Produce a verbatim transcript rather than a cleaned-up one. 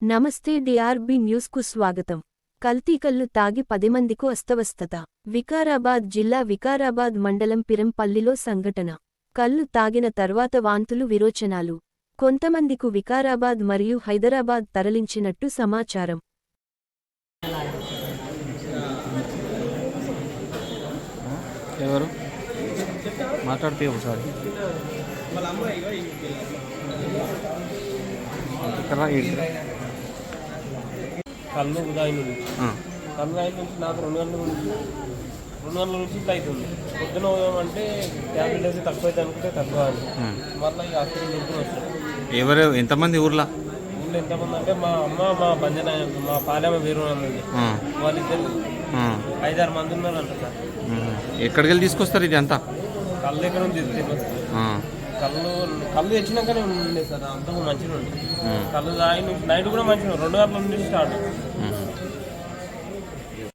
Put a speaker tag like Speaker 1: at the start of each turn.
Speaker 1: నమస్తే డిఆర్బి న్యూస్కు స్వాగతం. కల్తీ కల్లు తాగి పది మందికు అస్తవస్థత. వికారాబాద్ జిల్లా వికారాబాద్ మండలం పిరంపల్లిలో సంఘటన. కల్లు తాగిన తర్వాత వాంతులు విరోచనాలు. కొంతమందికు వికారాబాద్ మరియు హైదరాబాద్ తరలించినట్టు సమాచారం.
Speaker 2: ఎవరు మాట్లాడితే ఒకసారి
Speaker 3: కళ్ళు ఉదాయి నుంచి కళ్ళు అయిన నుంచి నాకు రెండు గంటల నుంచి రెండు గంటల నుంచి ఇట్లా అవుతుంది. పొద్దున అంటే ట్యాబ్లెట్ వేసి తక్కువ అయితే అనుకుంటే తక్కువ అని మళ్ళీ ఈ హాస్పిటల్ నుంచి వచ్చాను.
Speaker 2: ఎవరు ఎంతమంది ఊర్లో
Speaker 3: ఊళ్ళో ఎంతమంది అంటే మా అమ్మ మా బంజన మా పాలెమ్మ వేరు ఉంది, వాళ్ళిద్దరు ఐదారు మంది ఉన్నారు అంట సార్.
Speaker 2: ఎక్కడికి వెళ్ళి తీసుకొస్తారు ఇది అంతా?
Speaker 3: కళ్ళు దగ్గర నుంచి తీసుకొస్తారు. కళ్ళు కళ్ళు తెచ్చినాకనే ఉండే సార్, అంతకు మంచిగా ఉండే. కళ్ళు తాగి నైట్ కూడా మంచిగా రెండు గంటల నుంచి స్టార్ట్.